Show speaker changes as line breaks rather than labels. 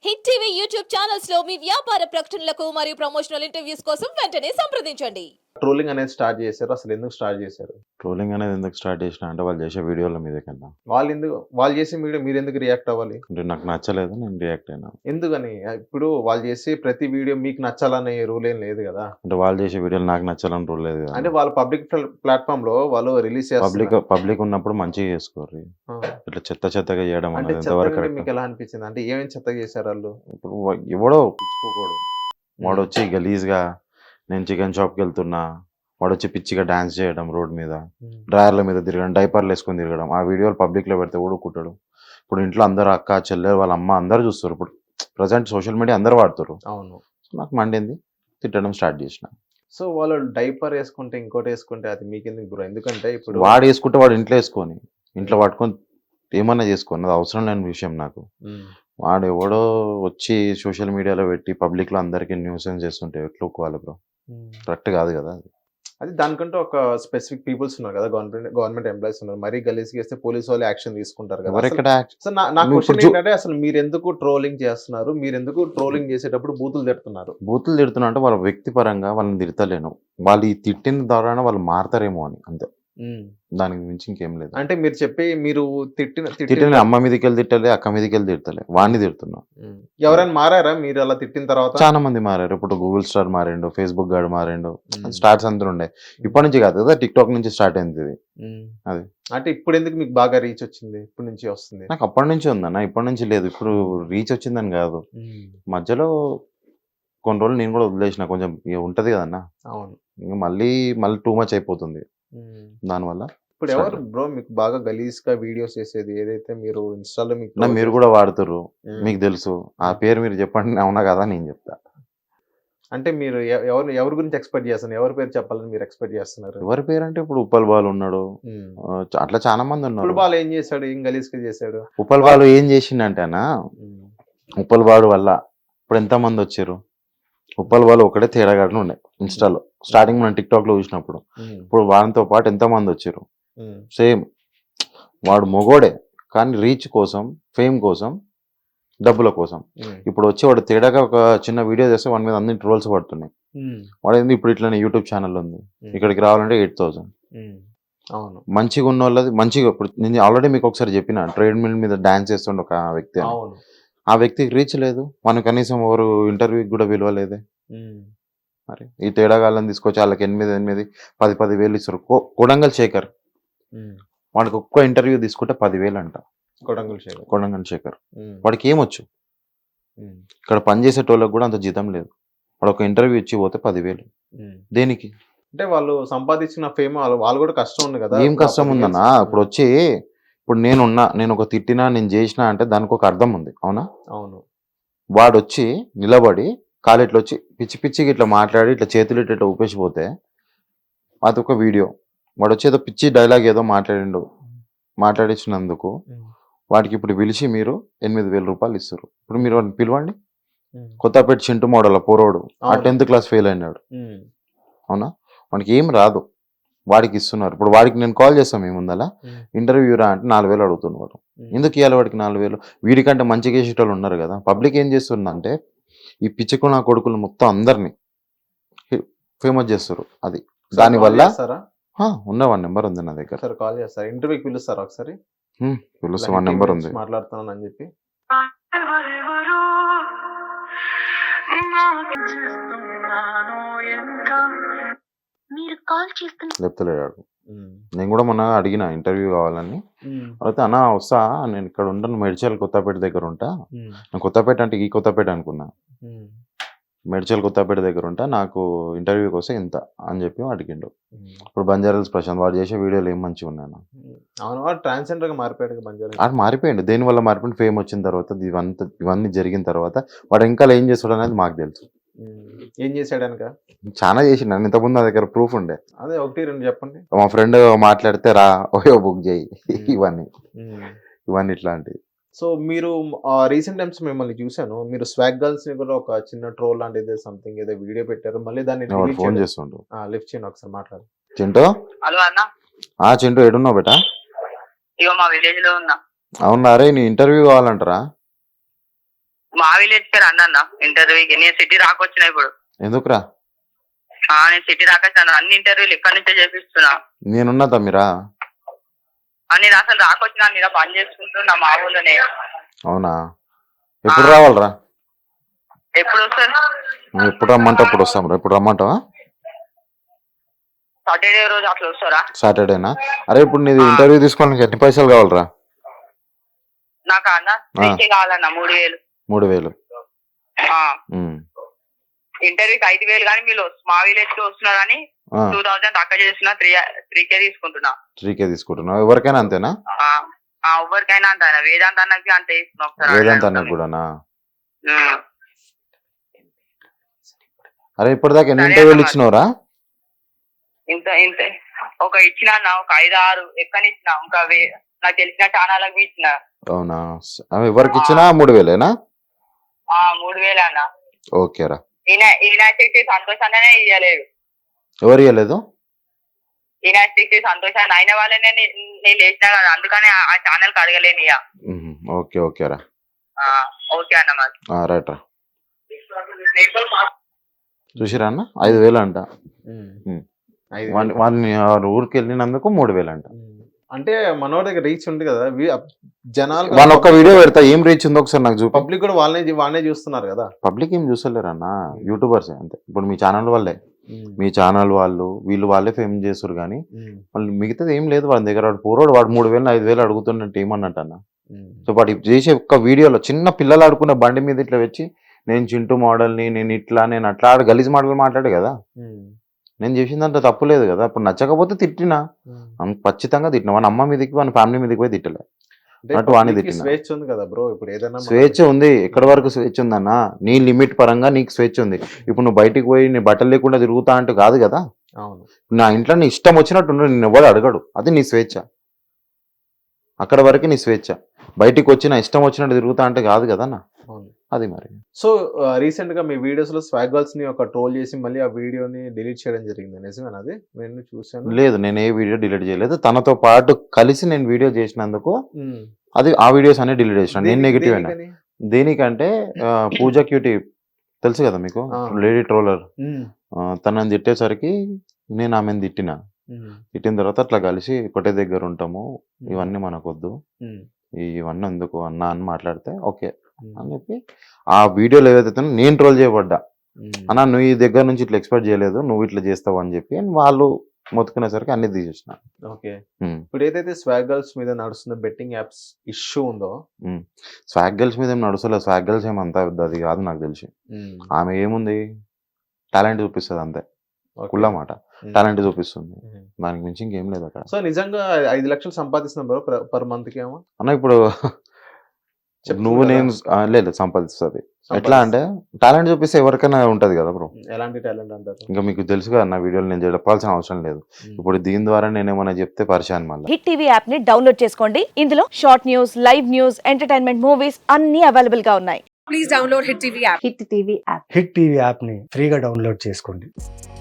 Hit TV YouTube channels లో మీ వ్యాపార ప్రకటనలకు మరియు ప్రమోషనల్ ఇంటర్వ్యూస్ కోసం వెంటనే సంప్రదించండి.
ట్రోలింగ్ అనేది స్టార్ట్ చేశారు. అసలు ఎందుకు స్టార్ట్ చేశారు?
ట్రోలింగ్ అనేది ఎందుకు స్టార్ట్ చేసినా అంటే వాళ్ళు చేసే వీడియోల మీద కన్నా
వాళ్ళు చేసే వీడియో మీరెందుకు రియాక్ట్ అవ్వాలి?
అంటే నాకు నచ్చలేదు, నేను రియాక్ట్ అయినా.
ఎందుకని? ఇప్పుడు వాళ్ళు చేసే ప్రతి వీడియో మీకు నచ్చాలనే రూల్ ఏం లేదు కదా.
అంటే వాళ్ళు చేసే వీడియోలు నాకు నచ్చాలని రూల్ లేదు కదా.
అంటే వాళ్ళ పబ్లిక్ ప్లాట్ఫామ్ లో వాళ్ళు రిలీజ్
పబ్లిక్ ఉన్నప్పుడు మంచిగా చేసుకోరు. ఇట్లా చెత్తగా చేయడం
అంటే
అనేది ఎంతవరకు
చెత్తగా మీకు
correct?
ఎలా అనిపించింది? అంటే ఏమేమి చెత్తగా చేశారు వాళ్ళు?
ఇప్పుడు ఎవడో పిచ్చుకోకూడదు, వాడు వచ్చి గలీజ్గా నేను చికెన్ షాప్కి వెళ్తున్నా, వాడు వచ్చి పిచ్చిగా డాన్స్ చేయడం, రోడ్ మీద డ్రాయర్ల మీద తిరగడం, డైపర్లు వేసుకొని తిరగడం, ఆ వీడియోలు పబ్లిక్లో పెడితే ఊడుకుంటాడు. ఇప్పుడు ఇంట్లో అందరు అక్క చెల్లె వాళ్ళ అమ్మ అందరు చూస్తారు. ఇప్పుడు ప్రజెంట్ సోషల్ మీడియా అందరు వాడుతారు.
అవును.
సో నాకు మండింది, తిట్టడం స్టార్ట్ చేసిన.
సో వాళ్ళు డైపర్ వేసుకుంటే ఇంకోటి వేసుకుంటే అది మీకెందుకు బ్రో? ఎందుకంటే ఇప్పుడు
వాడు వేసుకుంటే వాడు ఇంట్లో వేసుకొని ఇంట్లో పట్టుకొని ఏమన్నా చేసుకోని, అది అవసరం లేని విషయం నాకు. వాడు ఎవడో వచ్చి సోషల్ మీడియాలో పెట్టి పబ్లిక్లో అందరికీ న్యూసెన్స్ చేస్తుంటే ఎట్లా ఒప్పుకోవాలి బ్రో? కరెక్ట్ కాదు కదా అది.
అది దానికంటే ఒక స్పెసిఫిక్ పీపుల్స్ ఉన్నారు కదా, గవర్నమెంట్ ఎంప్లాయీస్ ఉన్నారు. మరీ గలీజ్ చేస్తే పోలీసు వాళ్ళు యాక్షన్ తీసుకుంటారు కదా.
ఎవరెక్కడ
సో నా క్వశ్చన్ ఏంటంటే అసలు మీరు ఎందుకు ట్రోలింగ్ చేస్తున్నారు? మీరు ఎందుకు ట్రోలింగ్ చేసేటప్పుడు బూతులు తిడుతున్నారు?
బూతులు తిడుతున్నా అంటే వాళ్ళ వ్యక్తిపరంగా వాళ్ళని తిడతలేను, వాళ్ళు ఈ తిట్టిన ద్వారా వాళ్ళు మారతారేమో అని, అంతే. దానికి మించి ఇంకేం లేదు.
అంటే మీరు చెప్పి మీరు
తిట్టిన అమ్మ మీదకి వెళ్ళి తిట్టలే, అక్క మీదకి వెళ్ళి తిడతలే, వాడిని తిడుతున్నా.
ఎవరైనా మారారా మీరు అలా తిట్టిన తర్వాత?
చాలా మంది మారారు. ఇప్పుడు గూగుల్ స్టార్ మారిండు, ఫేస్బుక్ గాడు మారిండు, స్టార్ట్స్ అందరూ ఉండే. ఇప్పటి నుంచి కాదు కదా, టిక్ టాక్ నుంచి స్టార్ట్ అయింది ఇది. అది
అంటే ఇప్పుడు ఎందుకు మీకు బాగా రీచ్ వచ్చింది? ఇప్పటి నుంచి వస్తుంది?
నాకు అప్పటి నుంచి ఉందన్న, ఇప్పటి నుంచి లేదు. ఇప్పుడు రీచ్ వచ్చిందని కాదు, మధ్యలో కొన్ని రోజులు నేను కూడా వదిలేసిన, కొంచెం ఇక ఉంటది కదన్నా.
అవును.
ఇంకా మళ్ళీ టూ మచ్ అయిపోతుంది దానివల్ల.
ఇప్పుడు ఎవరు బ్రో మీకు బాగా గలీజ్ గా వీడియోస్ చేసేది? ఏదైతే మీరు ఇన్స్టాలో
మీరు కూడా వాడుతుర్రు, మీకు తెలుసు. ఆ పేరు మీరు చెప్పండి, అవునా కదా నేను చెప్తా.
అంటే మీరు ఎవరి గురించి ఎక్స్పెక్ట్ చేస్తున్నారు? ఎవరి పేరు చెప్పాలని మీరు ఎక్స్పెక్ట్ చేస్తున్నారు?
ఎవరి పేరు అంటే ఇప్పుడు ఉప్పల్ బాలు ఉన్నాడు, అట్లా చాలా మంది ఉన్నారు.
ఉప్పల్ బాలు ఏం చేశాడు? ఏం గలీజ్ గా చేశాడు?
ఉప్పల్ బాలు ఏం చేసిండంటేనా, ఉప్పల్ బాలు వల్ల ఇప్పుడు ఎంత మంది వచ్చారు. ఉప్పల్ బాలు ఒకటే తేడాగాడు ఉండే ఇన్స్టాలో స్టార్టింగ్ మనం టిక్ టాక్ లో చూసినప్పుడు. ఇప్పుడు వాడితో పాటు ఎంత మంది వచ్చారు. సేమ్ వాడు మొగోడే, కానీ రీచ్ కోసం, ఫేమ్ కోసం, డబ్బుల కోసం. ఇప్పుడు వచ్చి వాడు తేడాగా ఒక చిన్న వీడియో చేస్తే వాడి మీద అన్ని ట్రోల్స్ పడుతున్నాయి. వాడు ఏంది ఇప్పుడు ఇట్లనే యూట్యూబ్ ఛానల్ ఉంది, ఇక్కడికి రావాలంటే 8,000.
అవును.
మంచిగా ఉన్న వాళ్ళది మంచిగా. ఇప్పుడు నేను ఆల్రెడీ మీకు ఒకసారి చెప్పిన, ట్రేడ్ మిల్ మీద డాన్స్ చేస్తుండే ఒక వ్యక్తి. ఆ వ్యక్తికి రీచ్ లేదు, మనం కనీసం ఎవరు ఇంటర్వ్యూకి కూడా విలువలేదే. మరి ఈ తేడాగాళ్ళని తీసుకొచ్చి వాళ్ళకి 8,000 10,000 ఇస్తారు. కొడంగల్ శేఖర్, వాడికి ఒక్క ఇంటర్వ్యూ తీసుకుంటే 10,000 అంట. కొడంగల్ శేఖర్ వాడికి ఏమొచ్చు? ఇక్కడ పనిచేసేటోళ్ళకి కూడా అంత జీతం లేదు. వాడు ఒక ఇంటర్వ్యూ ఇచ్చి పోతే 10,000 దేనికి?
అంటే వాళ్ళు సంపాదించిన ఫేమ్ వాళ్ళు కూడా కష్టం ఉంది కదా.
ఏం కష్టం ఉందన్నా? ఇప్పుడు వచ్చి ఇప్పుడు నేను ఒక తిట్టినా, నేను చేసినా అంటే దానికి ఒక అర్థం ఉంది, అవునా?
అవును.
వాడు వచ్చి నిలబడి కాలు ఇట్లా వచ్చి పిచ్చి పిచ్చికి ఇట్లా మాట్లాడి ఇట్లా చేతులు ఇట్లా ఊపేసిపోతే అదొక వీడియో. వాడు వచ్చి ఏదో పిచ్చి డైలాగ్ ఏదో మాట్లాడించినందుకు వాడికి ఇప్పుడు పిలిచి మీరు 8,000 రూపాయలు ఇస్తారు. ఇప్పుడు మీరు వాడిని పిలవండి. కొత్తపేట చింటు మోడల్ పోరోడు, ఆ 10th క్లాస్ ఫెయిల్ అయినాడు, అవునా? వాడికి ఏం రాదు, వాడికి ఇస్తున్నారు. ఇప్పుడు వాడికి నేను కాల్ చేస్తాను, ఏముందలా ఇంటర్వ్యూ రా అంటే 4,000 అడుగుతున్నాడు. ఎందుకు ఇవ్వాలి వాడికి 4,000? వీడికంటే మంచిగా చేసేటోళ్ళు ఉన్నారు కదా. పబ్లిక్ ఏం చేస్తుందంటే ఈ పిచ్చుకున్న కొడుకులు మొత్తం అందరినీ ఫేమస్ చేస్తారు. అది దానివల్ల ఉన్న 1 నెంబర్ ఉంది నా దగ్గర.
సార్ కాల్ చేస్తారు, ఇంటర్వ్యూకి పిలుస్తారు ఒకసారి.
పిలుస్తా, 1 నెంబర్ ఉంది.
మాట్లాడుతున్నాను అని చెప్పి
చెప్తలేడు. నేను కూడా మొన్న అడిగిన ఇంటర్వ్యూ కావాలని. అయితే అన్న వస్తా, నేను ఇక్కడ ఉంటాను, మేడ్చల్ కొత్తపేట దగ్గర ఉంటా. నేను కొత్తపేట అంటే ఈ కొత్తపేట అనుకున్నా, మేడ్చల్ కొత్తపేట దగ్గర ఉంటా, నాకు ఇంటర్వ్యూకి వస్తే ఎంత అని చెప్పి అడిగిండు. ఇప్పుడు బంజారాల్స్ ప్రశాంత్, వాడు చేసే వీడియోలు ఏం మంచిగా ఉన్నాను.
ట్రాన్స్జెండర్ గా మారిపోయాడు బంజారా.
వాడు మారిపోయాడు. దేనివల్ల మారిపోయింది? ఫేమ్ వచ్చిన తర్వాత, ఇవన్నీ జరిగిన తర్వాత వాడు ఇంకా ఏం చేస్తాడు అనేది మాకు తెలుసు.
ఏం చేశాడు అనక
చాలా చేసిండు. నేను ఇంతకుముందు నా దగ్గర ప్రూఫ్ ఉండే.
అదే 1-2 చెప్పండి.
మా ఫ్రెండ్ మాట్లాడితే రా బుక్ చేయి, ఇవన్నీ ఇట్లాంటివి.
సో మీరు రీసెంట్ టైమ్స్ మిమ్మల్ని చూసాను, మీరు స్వాగ్ గర్ల్స్ ని కూడా ఒక చిన్న ట్రోల్ లాంటిది సంథింగ్ ఏదో వీడియో పెట్టారు. మళ్ళీ దాన్ని
ఫోన్ చేస్తుండు.
లిఫ్ట్ చేయండి ఒకసారి, మాట్లాడు.
చింటూ,
హలో అన్న.
చింటూ ఎడున్నావు బేటా?
ఇగో మా విలేజ్ లో ఉన్నా.
అవునా రే, నీ ఇంటర్వ్యూ కావాలంటారా?
మా విలేజ్ కి రండి అన్న ఇంటర్వ్యూకి. నేను సిటీ రాకొచ్చిన ఇప్పుడు.
ఎందుకురా?
నేను సిటీ రాకొచ్చాను. అన్ని ఇంటర్వ్యూలు ఇక్కడ నుంచే చేపిస్తున్నా.
నేనున్నా తమ్మిరా.
నేను అసలు రాకొచ్చినా మీద పని చేసుకుంటున్నా మా ఊళ్ళోనే.
అవునా? ఎప్పుడు రావాలరా?
ఎప్పుడు వస్తారు?
నువ్వు ఎప్పుడు రమ్మంటే అప్పుడు వస్తాం రా. ఎప్పుడు రమ్మంటావా?
సాటర్డే రోజు అట్లా వస్తారా?
సాటర్డేనా? అరే ఇప్పుడు నీది ఇంటర్వ్యూ తీసుకోవడానికి ఎన్ని పైసలు కావాలరా?
నాకు అన్న 3K కావాలన్న. 3,000.
3,000.
ఇంటర్వ్యూకి 5,000 కానీ మీరు మా విలేజ్ కి వస్తున్నారని 2,000 తక్కువ చేస్తున్నా. 3K తీసుకుంటున్నా.
3K తీసుకుంటున్నావు? ఎవరికైనా అంతేనా?
ఎవరికైనా అంత. వేదాంత అన్నకి అంత ఇస్తున్నా.
వేదాంత అన్నకు కూడానా? అరే ఇప్పటిదాకా ఎన్ని ఇంటర్వ్యూలు ఇచ్చినవరా?
ఇంత ఇంత ఒక ఇచ్చిన ఒక 5-6 ఎక్కనిచ్చిన. ఇంకా నాకు తెలిసిన ఛానళ్ళకి ఇచ్చిన.
అవునా? ఎవరికి ఇచ్చినా 3,000ఏనా?
3,000 అన్న.
ఓకేరా.
ఈనాస్టిక్ సంతోషాన్ని ఇయ్యలేదు.
ఎవరు ఇవ్వలేదు?
ఈనాస్టిక్ సంతోషాన్ని అయిన వాళ్ళనే నేను లేచినా కదా, అందుకని ఆ ఛానల్ కి అడగలేను ఇక.
ఓకే ఓకేరా.
ఓకే అన్న. మరి
రైట్ రా. చూసిరా అన్న 5,000 అంట. వాడిని ఊరికి వెళ్ళినందుకు 3,000 అంట.
అంటే మనోడి దగ్గర రీచ్ ఉంది కదా, జనాలు
వాళ్ళ ఒక్క వీడియో పెడతా ఏం రీచ్ ఉందో ఒకసారి నాకు చూపి.
పబ్లిక్ కూడా వాళ్ళనే చూస్తున్నారు కదా.
పబ్లిక్ ఏం చూస్తలేరు అన్న, యూట్యూబర్స్ అంతే. ఇప్పుడు మీ ఛానల్ వాళ్ళే, మీ ఛానల్ వాళ్ళు వీళ్ళు వాళ్ళే ఫేమ్ చేస్తారు కానీ వాళ్ళు మిగతాది ఏం లేదు వాళ్ళ దగ్గర. వాడు పూర్వడు వాడు 3,000 5,000 అడుగుతున్నట్టు ఏమన్నట్టు అన్న. సో వాడు చేసే ఒక్క వీడియోలో చిన్న పిల్లలు ఆడుకునే బండి మీద ఇట్లా వచ్చి నేను చింటూ మోడల్ని, నేను ఇట్లా నేను అట్లా గలీజ్ మాటలు మాట్లాడే కదా. నేను చేసిందంటే తప్పు లేదు కదా. ఇప్పుడు నచ్చకపోతే తిట్టినా, ఖచ్చితంగా తిట్టినా. వాని అమ్మ మీదకి వాని ఫ్యామిలీ మీదకి పోయి తిట్టలే.
స్వేచ్ఛ ఉంది కదా బ్రో. ఇప్పుడు ఏదైనా
స్వేచ్ఛ ఉంది. ఎక్కడి వరకు స్వేచ్ఛ ఉందన్న? నీ లిమిట్ పరంగా నీకు స్వేచ్ఛ ఉంది. ఇప్పుడు నువ్వు బయటికి పోయి నీ బట్టలు లేకుండా తిరుగుతా అంటే కాదు కదా.
అవును.
నా ఇంట్లో నీ ఇష్టం వచ్చినట్టు నేను ఎవరు అడగడు, అది నీ స్వేచ్ఛ. అక్కడ వరకు నీ స్వేచ్ఛ. బయటికి వచ్చి నా ఇష్టం వచ్చినట్టు తిరుగుతా అంటే కాదు కదా నా. అది మరి.
సో రీసెంట్ గా మీ వీడియోస్ లో స్వాగ్ గర్ల్స్ ని ఒక ట్రోల్ చేసి మళ్ళీ ఆ వీడియోని డిలీట్ చేయడం జరిగింది, నిజమేనా? అది నేను చూసాను.
లేదు, నేను ఏ వీడియో డిలీట్ చేయలేదు. తనతో పాటు కలిసి నేను వీడియో చేసినందుకు అది ఆ వీడియోస్ అన్ని డిలీట్ చేసిన. నేను నెగిటివ్ అయినా. దేనికంటే పూజా క్యూటీ తెలుసు కదా మీకు, లేడీ ట్రోలర్. తనని తిట్టేసరికి నేను ఆమెను తిట్టిన తర్వాత అట్లా కలిసి ఒకటే దగ్గర ఉంటాము, ఇవన్నీ మనకొద్దు, ఇవన్నీ ఎందుకు అన్నా అని మాట్లాడితే ఓకే అని చెప్పి ఆ వీడియోలో ఏదైతే నేను ట్రోల్ చేయబడ్డా అన్నా, నువ్వు ఈ దగ్గర నుంచి ఇట్లా ఎక్స్పెక్ట్ చేయలేదు, నువ్వు ఇట్లా చేస్తావు అని చెప్పి వాళ్ళు మొత్తుకునేసరికి అన్ని తీసేసిన.
ఓకే. ఇప్పుడు ఏదైతే స్వాగ్ గర్ల్స్ మీద నడుస్తున్న బెట్టింగ్ యాప్స్ ఇష్యూ ఉందో,
స్వాగ్ గర్ల్స్ మీద ఏం నడుస్తలేదు. స్వాగ్ గర్ల్స్ ఏమంతా అది కాదు నాకు తెలిసి. ఆమె ఏముంది, టాలెంట్ చూపిస్తుంది అంతే. కుళ్ళ మాట, టాలెంట్ చూపిస్తుంది, దానికి మించి ఇంకేం లేదు అక్కడ.
సో నిజంగా 5 లక్షలు సంపాదిస్తున్నాం బ్రో పర్ మంత్ కి ఏమో
అన్న. ఇప్పుడు నువ్వు నేను లేదు సంపాదిస్తుంది. ఎట్లా అంటే టాలెంట్ చూపిస్తే ఎవరికైనా ఉంటది కదా బ్రో.
ఎలాంటి టాలెంట్ అంటారు? ఇంకా
మీకు తెలుసు కదా నా వీడియోలు నేను చెప్పాల్సిన అవసరం లేదు. ఇప్పుడు దీని ద్వారా నేనేమన్నా చెప్తే పరిచయం. మళ్ళీ
హిట్ టీవీ యాప్ ని డౌన్లోడ్ చేసుకోండి. ఇందులో short news, live news, entertainment movies అన్ని అవైలబుల్ గా ఉన్నాయి. Please download hit TV app.
Hit TV app ని ఫ్రీగా డౌన్లోడ్ చేసుకోండి.